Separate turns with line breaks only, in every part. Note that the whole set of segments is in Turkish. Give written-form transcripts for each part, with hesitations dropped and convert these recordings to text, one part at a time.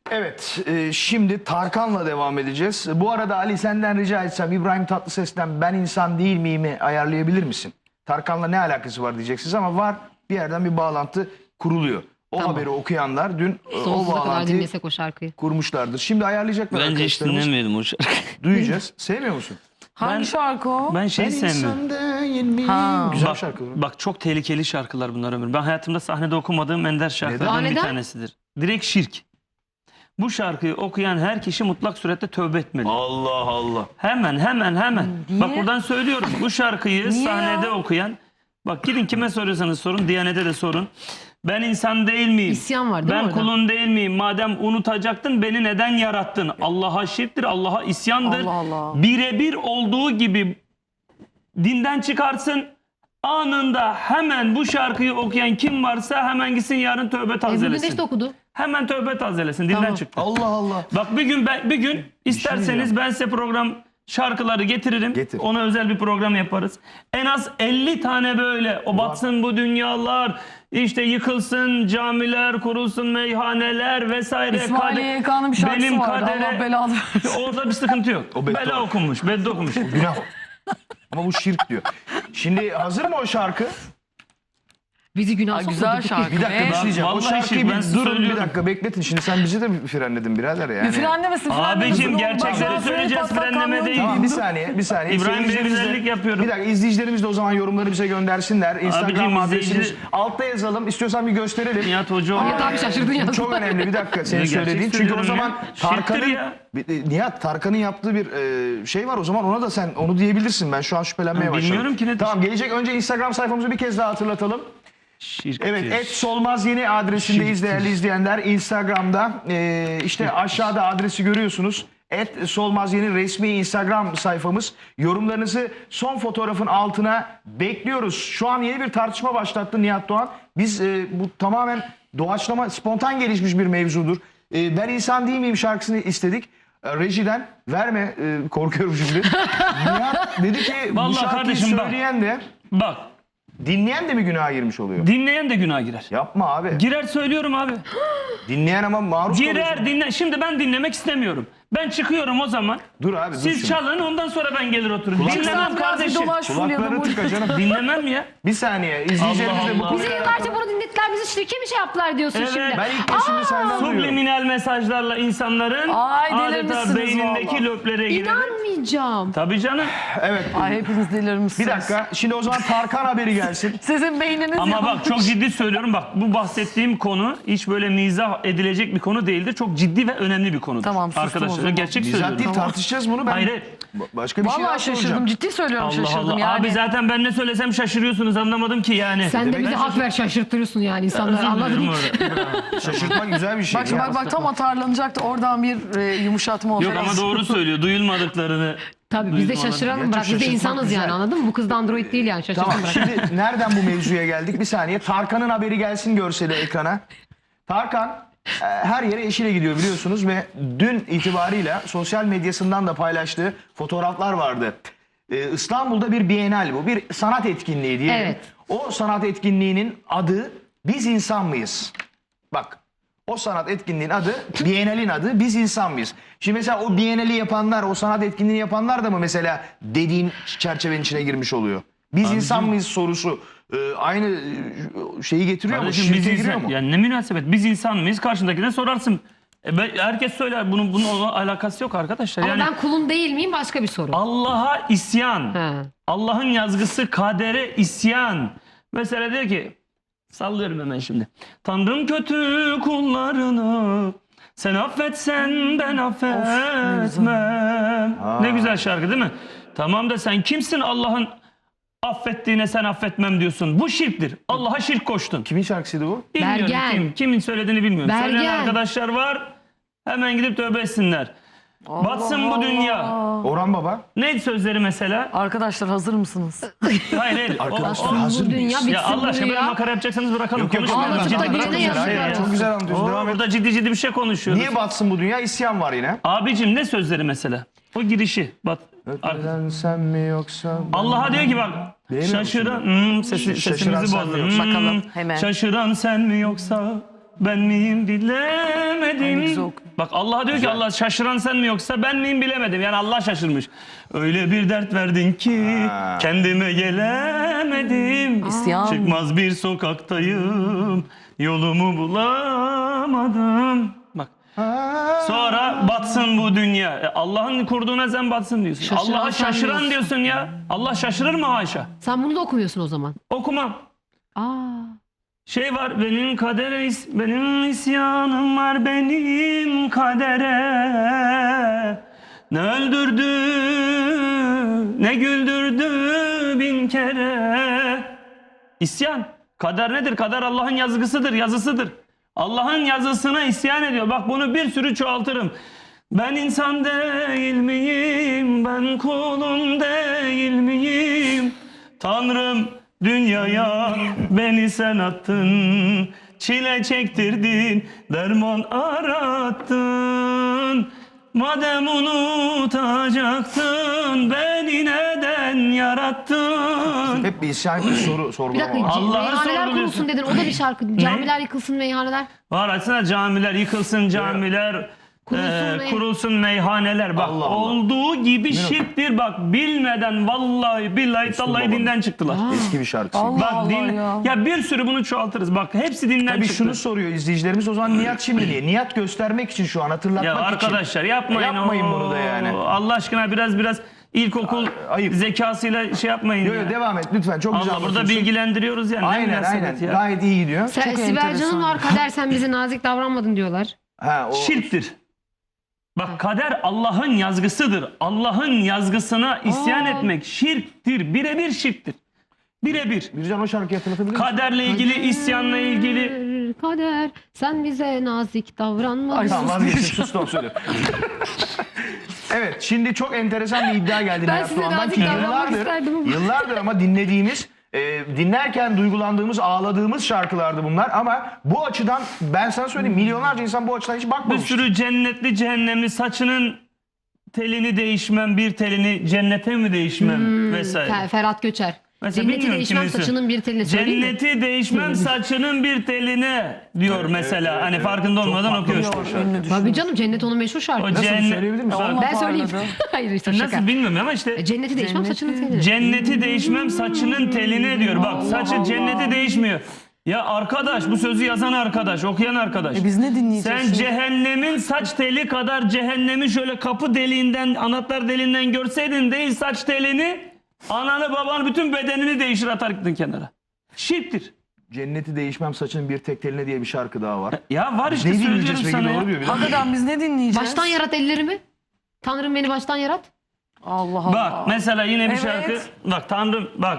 Evet, şimdi Tarkan'la devam edeceğiz. Bu arada Ali senden rica etsem İbrahim Tatlıses'ten ben insan değil miyimi ayarlayabilir misin? Tarkan'la ne alakası var diyeceksiniz ama var, bir yerden bir bağlantı kuruluyor. O
Tamam.
haberi okuyanlar dün o
Sonsuza kadar
bağlantıyı
dinlesek o şarkıyı.
kurmuşlardır. Şimdi ayarlayacaklar
Bence hiç
arkadaşlarımız.
dinlemeyelim o şarkıyı.
Duyacağız. Sevmiyor musun?
Hangi şarkı o?
Ben
Ben
sevmiyorum.
insan değil miyim?
Ha.
Güzel
Bak,
şarkı.
bak çok tehlikeli şarkılar bunlar Ömür. Ben hayatımda sahnede okumadığım ender şarkılardan bir
Neden?
tanesidir. Direkt şirk. Bu şarkıyı okuyan her kişi mutlak surette tövbe etmeli.
Allah Allah.
Hemen.
Niye?
Bak buradan söylüyorum. Bu şarkıyı
Niye
sahnede
ya?
okuyan, bak gidin kime soruyorsanız sorun, Diyanet'e de sorun. Ben insan değil miyim?
İsyan var değil mi
Ben
orada?
kulun değil miyim? Madem unutacaktın beni neden yarattın? Allah'a şirktir, Allah'a isyandır.
Allah Allah.
Birebir olduğu gibi dinden çıkarsın. Anında hemen bu şarkıyı okuyan kim varsa hemen gitsin yarın tövbe
Bugün de
tazelesin.
işte okudu.
Hemen tövbe tazelesin. Dinden
Tamam.
çıktı.
Allah Allah.
Bak bir gün isterseniz
diyeceğim.
ben size program şarkıları getiririm.
Getir.
Ona özel bir program yaparız. En az 50 tane böyle o batsın bu dünyalar, işte yıkılsın camiler, kurulsun meyhaneler vesaire.
İsmail YK'nın bir şarkısı
benim
vardı.
kadere-
Allah belanı versin.
Orada bir sıkıntı yok.
O beddua.
Bela okunmuş, bedde okunmuş.
Günah. Ama bu şirk diyor. Şimdi hazır mı o şarkı?
Bizi günah
Ay,
sokmadı.
güzel şarkı.
Bir dakika
Ve-
bir şey diyeceğim. O
Vallahi
şarkıyı
şirk, ben
bir
size
durun bir
söylüyorum.
dakika bekletin. Şimdi sen bizi de mi frenledin birader yani?
Bir frenlemesin.
Abicim, gerçekleri söyleyeceğiz, frenleme değil.
Tamam bir saniye bir saniye.
İbrahim Bey
Seyircilerimiz de-
güzellik yapıyorum.
Bir dakika izleyicilerimiz de o zaman yorumları bize göndersinler. Instagram
Abicim,
adresimiz
izleyici-
altta yazalım. İstiyorsan bir gösterelim.
Nihat Hoca
Nihat abi şaşırdın
Bu
ya.
çok önemli bir dakika senin
Ya, gerçek
söylediğin. Çünkü o
söylüyorum
zaman
ya. Şirktir
Tarkan'ın
ya.
Nihat Tarkan'ın yaptığı bir şey var. O zaman ona da sen onu diyebilirsin. Ben şu an şüphelenmeye başladım.
bilmiyorum ki ne-
Tamam gelecek önce Instagram sayfamızı bir kez daha hatırlatalım.
Şirktir.
Evet @solmaz yeni adresindeyiz değerli izleyenler. Instagram'da işte aşağıda adresi görüyorsunuz. @solmaz yeni resmi Instagram sayfamız. Yorumlarınızı son fotoğrafın altına bekliyoruz. Şu an yeni bir tartışma başlattı Nihat Doğan. Biz bu tamamen doğaçlama, spontan gelişmiş bir mevzudur. Ben insan değil miyim şarkısını istedik. Rejiden verme korkuyorum şimdi. Nihat dedi ki bu
Vallahi
şarkıyı
kardeşim bak.
söyleyen de
Bak,
dinleyen de mi günaha girmiş oluyor?
dinleyen de günah girer.
Yapma abi.
Girer söylüyorum abi.
Dinleyen ama maruz kalıyor.
Girer dinle. Şimdi ben dinlemek istemiyorum. Ben çıkıyorum o zaman.
Dur abi dur
Siz
şimdi.
çalın ondan sonra ben gelir otururum.
Kulak-
Dinlemem
Sen biraz bir
kardeşim.
dolaş Fulya'da.
Kulaklarını tıka canım.
Dinlemem ya.
Bir saniye izleyicilerimiz de bu
Allah
konuyu...
Bizi yıllarca bunu dinlettiler. Bizi şirke mi şey yaptılar diyorsun
Evet.
şimdi?
Ben ilk kez şimdi senden duyuyorum.
Subliminal mesajlarla insanların
Ay,
adeta
delirmişsiniz
beynindeki
vallahi.
löplere girer.
İnanmayacağım.
Tabii canım.
Evet.
Ay hepiniz delirmişsiniz.
Bir dakika. Şimdi o zaman Tarkan haberi gelsin.
Sizin beyniniz
Ama
yanmış.
bak çok ciddi söylüyorum. Bak bu bahsettiğim konu hiç böyle mizah edilecek bir konu değildir. Çok ciddi ve önemli bir konudur.
Tamam, sustum o
Arkadaşlar
zaman.
gerçek
Bizzat
söylüyorum.
değil tartışacağız bunu. Ben
Hayır, hayır.
başka bir şey daha
Vallahi şaşırdım.
soracağım.
Ciddi söylüyorum
Allah
şaşırdım
Allah.
yani.
Abi zaten ben ne söylesem şaşırıyorsunuz, anlamadım ki yani.
Sen de
Demek
bize
ben
hak ver şaşırtıyorsun yani insanları
Özür
anladın
dilerim
mı?
orada.
Şaşırtmak güzel bir şey.
Bak şimdi
ya.
bak tam atarlanacaktı. Oradan bir yumuşatma oldu.
Yok ama doğru söylüyor. Duyulmadıklarını.
Tabii biz de
Duydum,
şaşıralım
anladım.
bırak. Biz de
Şaşırtmak
insanız
güzel.
yani anladın mı? Bu kız da android değil yani şaşırtın
Tamam
bırak.
şimdi nereden bu mevzuya geldik? Bir saniye. Tarkan'ın haberi gelsin görseli ekrana. Tarkan her yere eşiyle gidiyor biliyorsunuz ve dün itibarıyla sosyal medyasından da paylaştığı fotoğraflar vardı. İstanbul'da bir bienal bu. Bir sanat etkinliği diyelim.
Evet.
O sanat etkinliğinin adı Biz İnsan Mıyız? Bak o sanat etkinliğinin adı, Bienal'in adı Biz İnsan Mıyız? Şimdi mesela o Bienal'i yapanlar, o sanat etkinliğini yapanlar da mı mesela dediğin çerçevenin içine girmiş oluyor? Biz insan mıyız sorusu aynı şeyi getiriyor mu?
Kardeşim
Şirke
biz
giriyor
insan,
mu?
yani ne münasebet, biz insan mıyız? Karşındakine sorarsın. Herkes söyler, bunun alakası yok arkadaşlar.
Ama
Yani
ben kulun değil miyim başka bir soru.
Allah'a isyan,
He.
Allah'ın yazgısı kadere isyan. Mesela diyor ki, sallıyorum hemen şimdi. Tanrım kötü kullarını, sen affetsen ben affetmem. Ne güzel şarkı değil mi? Tamam da sen kimsin Allah'ın affettiğine sen affetmem diyorsun. Bu şirktir. Allah'a şirk koştun.
Kimin şarkısıydı bu?
Bilmiyorum
Bergen.
kimin söylediğini bilmiyorum.
Bergen.
Söyleyen arkadaşlar var. Hemen gidip tövbe etsinler. Batsın bu dünya.
Orhan Baba.
Neydi sözleri mesela?
Arkadaşlar hazır mısınız?
Hayır hayır.
Arkadaşlar,
O-
hazır
Bu dünya
mıyız?
bitsin
Ya Allah
bu
aşkına böyle
dünya.
makara yapacaksanız bırakalım.
Yok, yok,
Konuşmayalım.
Ağlatıp da
Ciddi-
birine yazık
Hayır,
ya.
çok güzel anlatıyorsun. Devam et.
Burada ciddi bir şey konuşuyoruz.
Niye batsın bu dünya? İsyan var yine.
Abicim ne sözleri mesela? O girişi. Bak.
Öpmeden sen mi yoksa...
Allah'a diyor ki bak.
Beğeniyor
Şaşıran.
Şaşıran
Sesimizi
sen mi
bozdun.
yoksa?
Bakalım hemen.
Şaşıran sen mi yoksa ben miyim
Ay, ne
bilemedim.
güzel okuyor.
Bak Allah diyor ki Allah şaşıran sen mi yoksa ben miyim bilemedim. Yani Allah şaşırmış. Öyle bir dert verdin ki kendime gelemedim.
İsyan.
Çıkmaz bir sokaktayım. Yolumu bulamadım. Bak. Sonra batsın bu dünya. Allah'ın kurduğuna sen batsın diyorsun.
Şaşıran
Allah'a
sen
şaşıran
diyorsun.
diyorsun ya. Allah şaşırır mı haşa?
Sen bunu da okumuyorsun o zaman.
Okumam.
Aa.
Şey var benim kadere benim isyanım var benim kadere. Ne öldürdü ne güldürdü bin kere. İsyan. Kader nedir? Kader Allah'ın yazgısıdır, yazısıdır. Allah'ın yazısına isyan ediyor. Bak bunu bir sürü çoğaltırım. Ben insan değil miyim? Ben kulun değil miyim? Tanrım dünyaya beni sen attın. Çile çektirdin, derman arattın. Madem unutacaktın, beni neden yarattın?
Hep bir isyan, bir soru
Bir
sorgulama
dakika,
var.
Allah'a
meyhaneler
sorguluyorsun.
kurulsun dedin. O da bir şarkı. Camiler yıkılsın, meyhaneler.
Var açsana camiler yıkılsın, camiler kurulsun, meyhaneler. Bak
Allah Allah.
olduğu gibi şirktir. Bak bilmeden vallahi billahi tallahi
babanın.
dinden çıktılar.
Eski bir şarkı.
Allah
Bak
Allah
din
ya.
bir sürü bunu çoğaltırız. Bak hepsi dinden
Tabii
çıktı.
şunu soruyor izleyicilerimiz, o zaman niyat şimdi niye? Niyat göstermek için, şu an hatırlatmak
Ya
için.
arkadaşlar yapmayın.
Yapmayın bunu da yani.
Allah aşkına biraz ilkokul
Ayıp.
zekasıyla şey yapmayın
Yo,
ya.
yo, devam et lütfen, çok güzel
Allah burada
anlatıyorsun.
bilgilendiriyoruz yani. Ne
Aynen
münasebet
aynen,
ya.
gayet iyi gidiyor.
Sibel
enteresan.
Can'ın var, Kader sen bize nazik davranmadın diyorlar.
Ha, o
Şirktir. Bak kader Allah'ın yazgısıdır. Allah'ın yazgısına isyan etmek şirktir. Birebir şirktir. Birebir.
Bircan o şarkıyı hatırlatabilir misin?
Kaderle ilgili, isyanla ilgili.
Kader sen bize nazik davranmadın.
Ay,
Tamam vazgeçtim, sus da söyle. Evet, şimdi çok enteresan bir iddia geldi
Ben
Nihat
size
Doğan'dan
nazik
ki
davranmak isterdim ama.
yıllardır ama dinlediğimiz, dinlerken duygulandığımız, ağladığımız şarkılardı bunlar. Ama bu açıdan ben sana söyleyeyim, milyonlarca insan bu açıdan hiç
Bir
bakmamış.
sürü cennetli cehennemli saçının telini değişmem, bir telini cennete mi değişmem vesaire.
Ferhat Göçer.
Mesela
Cenneti
bilmiyorum
değişmem
kimisi.
saçının bir teline söyleyeyim mi?
Cenneti değişmem saçının bir teline diyor mesela. Hani farkında olmadan okuyor.
Ünlü düşün.
Tabii canım, cennet onun meşhur
O
şarkısı.
Nasıl
cennet.
söyleyebilir misin?
Bak,
Onunla
Ben söyleyeyim.
parladı.
Hayır işte şaka.
nasıl bilmiyorum ama işte
Cenneti değişmem saçının teline.
cenneti değişmem saçının teline diyor. Bak saçı cenneti değişmiyor. Ya arkadaş, bu sözü yazan arkadaş, okuyan arkadaş.
Biz ne dinleyeceğiz
Sen
şimdi?
cehennemin saç teli kadar cehennemi şöyle kapı deliğinden, anahtar deliğinden görseydin değil saç telini, ananı babanı bütün bedenini değişir atar gittin kenara. Şirktir.
Cenneti değişmem saçın bir tek teline diye bir şarkı daha var.
Ya var işte
Ne
söylüyorum
dinleyeceğiz peki,
sana ya.
doğru diyor. Bir dakika.
Hakikaten biz ne dinleyeceğiz?
Baştan yarat ellerimi. Tanrım beni baştan yarat.
Allah Allah.
Bak mesela yine bir
Evet.
şarkı. Bak Tanrım bak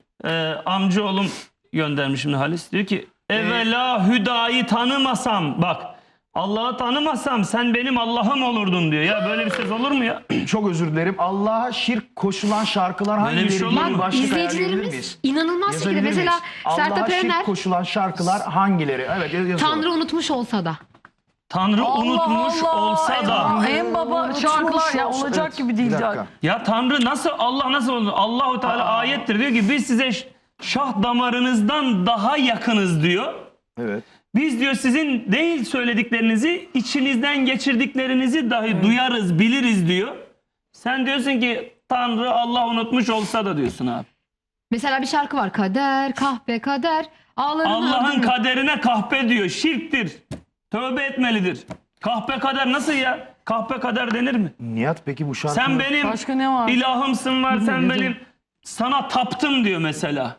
amcaoğlum göndermiş şimdi Halis. Diyor ki evvela hüdayı tanımasam bak Allah'ı tanımasam sen benim Allah'ım olurdun diyor. Ya böyle bir söz olur mu ya?
Çok özür dilerim. Allah'a şirk koşulan şarkılar
Böyle bir
hangileri?
şey olur
diye
mu?
başlık ayarlayabilir
İzleyicilerimiz
miyiz?
inanılmaz şekilde
Yazabilir
mesela
miyiz?
Sertab
Allah'a
Erener
şirk koşulan şarkılar hangileri? Evet yazalım.
Tanrı unutmuş olsa da.
Tanrı
Allah
unutmuş
Allah.
olsa da.
En baba şarkılar ya
olsa-
olacak
Evet,
gibi
bir
değil
dakika.
ya.
Ya Tanrı nasıl Allah nasıl olur? Allahu Teala ayettir diyor ki biz size şah damarınızdan daha yakınız diyor.
Evet.
Biz diyor sizin değil söylediklerinizi, içinizden geçirdiklerinizi dahi duyarız, biliriz diyor. Sen diyorsun ki Tanrı Allah unutmuş olsa da diyorsun abi.
Mesela bir şarkı var. Kader, kahpe kader. Ağlarını
Allah'ın
öldürme.
kaderine kahpe diyor. Şirktir. Tövbe etmelidir. Kahpe kader nasıl ya? Kahpe kader denir mi?
Nihat peki bu şarkı...
Sen benim
Başka ne var?
ilahımsın var. Sen
Bilmiyorum.
benim sana taptım diyor mesela.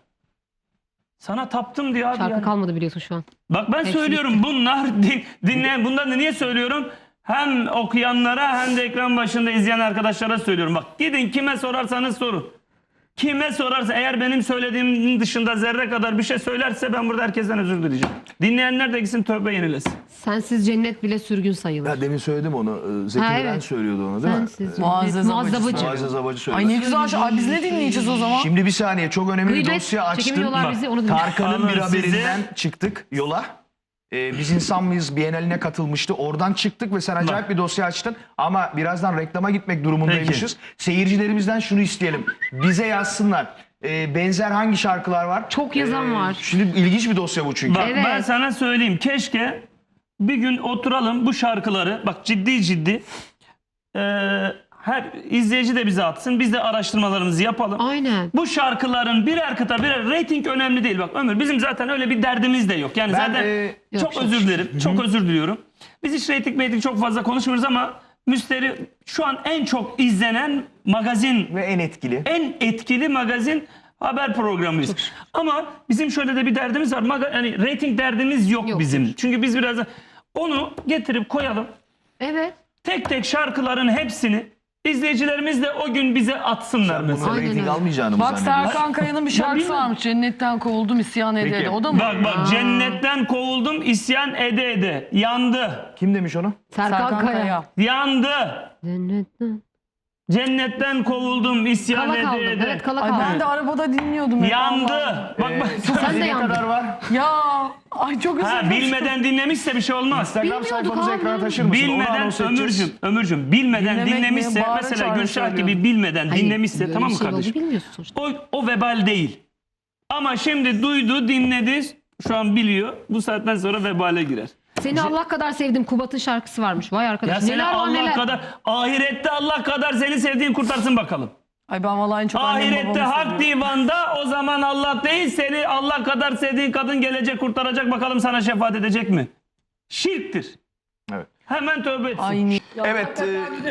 Sana taptım diyor abi.
Şarkı
yani.
kalmadı biliyorsun şu an.
Bak ben
Hepsi
söylüyorum bunlar dinleyen bundan da niye söylüyorum? Hem okuyanlara hem de ekran başında izleyen arkadaşlara söylüyorum. Bak gidin kime sorarsanız sorun. Kime sorarsa eğer benim söylediğimin dışında zerre kadar bir şey söylerse ben burada herkesten özür dileyeceğim. Dinleyenler de gitsin tövbe yenilesin.
Sensiz cennet bile sürgün sayılır.
Ya demin söyledim onu. Zeki
Ha,
Müren
evet.
söylüyordu onu değil mi?
Sensiz
Muazzez
cennet.
Abacı.
Muazzabacı.
Muazzez Abacı söyledi.
Ay ne güzel. Ay biz ne dinleyeceğiz o zaman?
Şimdi bir saniye, çok önemli bir
Gıybet.
dosya açtın.
Çekemiyorlar
Bak,
bizi, onu dinle.
Tarkan'ın bir
Alın sizi.
haberinden çıktık yola. Biz insan mıyız Biennaline katılmıştı. Oradan çıktık ve sen acayip bir dosya açtın. Ama birazdan reklama gitmek durumundaymışız. Seyircilerimizden şunu isteyelim. Bize yazsınlar. Benzer hangi şarkılar var?
Çok yazan var.
Şimdi ilginç bir dosya bu çünkü.
Bak
Evet.
ben sana söyleyeyim keşke bir gün oturalım bu şarkıları, bak ciddi her izleyici de bize atsın, biz de araştırmalarımızı yapalım.
Aynen.
Bu şarkıların birer kıta birer, reyting önemli değil. Bak Ömür, bizim zaten öyle bir derdimiz de yok. Yani
Ben,
zaten çok
yok,
özür dilerim. Çok özür diliyorum. Biz hiç reyting çok fazla konuşmuyoruz ama Müsterih şu an en çok izlenen magazin,
Ve en etkili.
en etkili magazin haber programıyız. Ama bizim şöyle de bir derdimiz var. Yani reyting derdimiz yok,
Yok.
bizim. Çünkü biz biraz da onu getirip koyalım.
Evet.
Tek tek şarkıların hepsini izleyicilerimiz de o gün bize atsınlar mesela.
Bunu
Aynen
reyting
öyle.
almayacağını mı
Bak
zannediyorsun?
Serkan Kaya'nın bir şarkısı
bilmiyorum.
varmış. Cennetten kovuldum isyan ede
Peki.
ede. O da mı?
Bak cennetten kovuldum isyan ede ede. Yandı.
Kim demiş onu?
Serkan Kaya.
Yandı.
Cennetten.
Cennetten kovuldum isyan
Kala
ede
kaldım.
ede.
Evet, kala
Ay
kaldım.
ben de arabada dinliyordum. hep.
Yandı.
Allah.
Bak bak.
Sen de
Ne
yandın.
kadar var?
Ya ay çok özür
Ha,
dilerim.
bilmeden dinlemişse bir şey olmaz.
Instagram
Bilmiyorduk
sayfamızı
abi.
ekrana taşır mısın? Onu
Bilmeden
anons edeceğiz.
Ömürcüm bilmeden
Dinlemek mi?
dinlemişse
Bağıra
mesela
çağıra
Gülşah gibi
söylüyorum.
bilmeden
Hayır,
dinlemişse
böyle
tamam
bir
mı
şey oldu,
kardeşim?
bilmiyorsun sonuçta.
O vebal değil. Ama şimdi duydu, dinledi, şu an biliyor. Bu saatten sonra vebale girer.
Seni Allah kadar sevdim. Kubat'ın şarkısı varmış. Vay arkadaş.
Ya seni
neler var
Allah
neler.
kadar, ahirette Allah kadar seni sevdiğin kurtarsın bakalım.
Ay ben vallahi en çok annem
Ahirette
babamı
hak
seviyorum.
divanda o zaman Allah değil, seni Allah kadar sevdiğin kadın gelecek kurtaracak, bakalım sana şefaat edecek mi? Şirktir.
Evet.
Hemen tövbe etsin.
Ay ni-
Evet.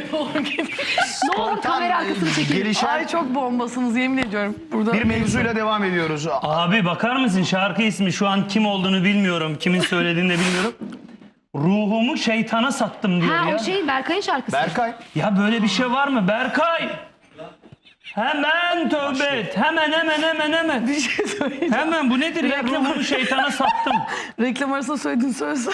Ne olur kamera arkasını çekelim.
Gelişen
Ay çok bombasınız yemin ediyorum. Burada
bir mevzuyla devam ediyoruz.
Abi bakar mısın, şarkı ismi şu an kim olduğunu bilmiyorum. Kimin söylediğini de bilmiyorum. Ruhumu şeytana sattım diyor
Ha
ya.
o şey Berkay'ın şarkısı.
Berkay.
Ya böyle bir şey var mı Berkay? Hemen tövbe et. Hemen.
bir şey söyleyeceğim.
Hemen bu nedir ya? Ruhumu şeytana sattım.
Reklam arasında söylediğin söylesen.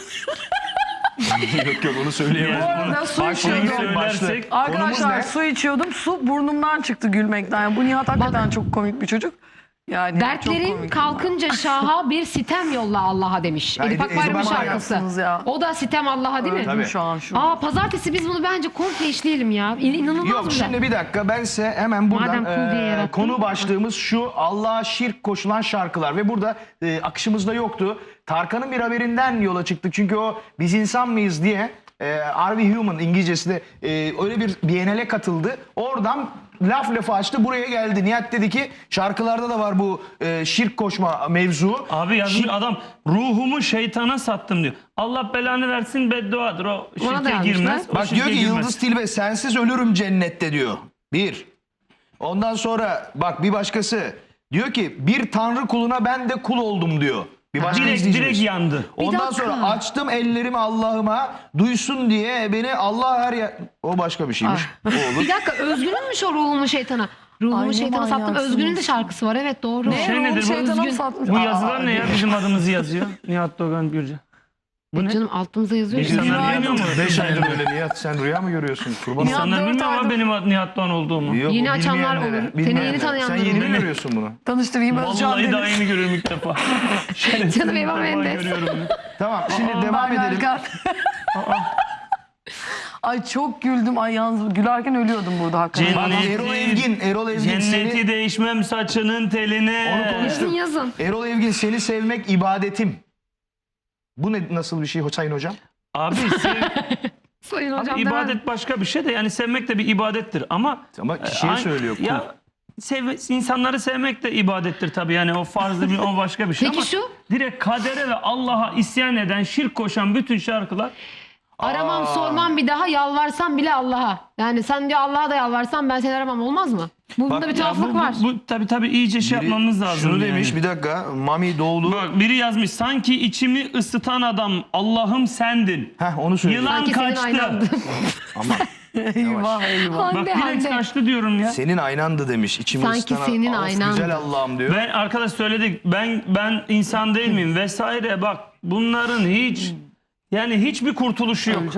Yok onu söyleyemez.
Bu arada su
Başlayın,
içiyordum.
söylersek.
Konumuz
Arkadaşlar
ne?
su içiyordum. Su burnumdan çıktı gülmekten. Yani bu Nihat hakikaten çok komik bir çocuk. Yani çok
Dertlerin
komik.
kalkınca şaha bir sitem yolla Allah'a demiş.
Ya
Edip Akbayram'ın
Edip
şarkısı.
Akbayram'sınız ya.
O da sitem Allah'a değil mi?
Öldüm şu an şu.
Aa pazartesi biz bunu bence komple işleyelim ya. İnanılmaz
Yok
güzel.
şimdi bir dakika, ben size hemen buradan
Madem kul diye yarattın.
konu başlığımız şu: Allah'a şirk koşulan şarkılar. Ve burada akışımızda yoktu. Tarkan'ın bir haberinden yola çıktık çünkü o biz insan mıyız diye Are We Human İngilizcesi de öyle bir Biennale katıldı. Oradan lafı açtı, buraya geldi. Nihat dedi ki şarkılarda da var bu şirk koşma mevzu.
Abi yazmış adam, ruhumu şeytana sattım diyor. Allah belanı versin, bedduadır. O
Ona da
şirke
yazmışlar.
girmez. o
Bak diyor
şirke
ki
girmez.
Yıldız Tilbe sensiz ölürüm cennette diyor. Bir. Ondan sonra bak bir başkası diyor ki bir tanrı kuluna ben de kul oldum diyor. Bir başka
Direkt
izleyicimiz.
yandı.
Ondan
dakika.
sonra açtım ellerimi Allah'ıma duysun diye beni Allah her yer... O başka bir şeymiş. O olur.
Bir dakika Özgün'ünmüş o ruhumu şeytana. Ruhumu
Ay, ne
şeytana sattım.
manyaksınız.
Özgün'ün de şarkısı var. Evet doğru.
Ne?
Şey
Ruhum
nedir bu?
şeytana mı
Özgün.
satmış?
Bu yazılar ne ya? Bizim adımızı yazıyor. Nihat Doğan Gürcan. Bu ne?
Canım altımıza yazıyor. işte.
İnsanlar
Günaydın.
bilmiyor mu?
5 aydır böyle Nihat, sen rüya mı görüyorsun? Kurban
Nihat
olayım.
İnsanlar
dört
bilmiyor ama
aydır-
benim Nihat Doğan olduğumu.
Yok,
Yeni
bu
açanlar
bilmeyenlere,
olur. Seni yeni
bilmeyenlere.
tanıyanlar
Sen yeni
olur.
mi görüyorsun bunu?
Tanıştırayım Özcan
Vallahi
Deniz.
daha yeni görüyorum ilk defa.
Canım Eva Mendes.
Görüyorum bunu.
Tamam şimdi devam
Ben
edelim.
Erkan. Ay çok güldüm. Ay yalnız gülerken ölüyordum burada hakikaten.
Bak, Erol Evgin
Cenneti
seni...
değişmem saçının teline.
Onu konuştuk.
Yazın.
Erol Evgin seni sevmek ibadetim. Bu ne, nasıl bir şey Sayın Hocam?
Abi,
Sayın
abi
hocam
ibadet başka bir şey de, yani sevmek de bir ibadettir ama
Ama kişiye
ay-
söylüyor.
Ya insanları sevmek de ibadettir tabii, yani o farzı bir, o başka bir şey.
Peki
ama
şu?
direkt kadere ve Allah'a isyan eden, şirk koşan bütün şarkılar
Aramam sormam bir daha yalvarsam bile Allah'a. Yani sen diyor Allah'a da yalvarsan ben seni aramam olmaz mı? Bunda bir
Ya
tuhaflık var.
bu tabii iyice şey yapmamız lazım.
Şunu
yani.
demiş bir dakika, Mami Doğulu.
Bak biri yazmış, sanki içimi ısıtan adam Allah'ım sendin.
Heh, onu söylüyor.
Yılan
Sanki senin
kaçtı.
aynandı.
Ama
Eyvah eyvah.
Bak
Hande
direkt
Hande.
kaçtı diyorum ya.
senin aynandı demiş. İçimi
Sanki
ısıtan
senin
of,
aynandı.
güzel Allah'ım diyor.
Ben arkadaş söyledik, ben insan değil miyim vesaire, bak bunların hiç, yani hiçbir kurtuluşu yok.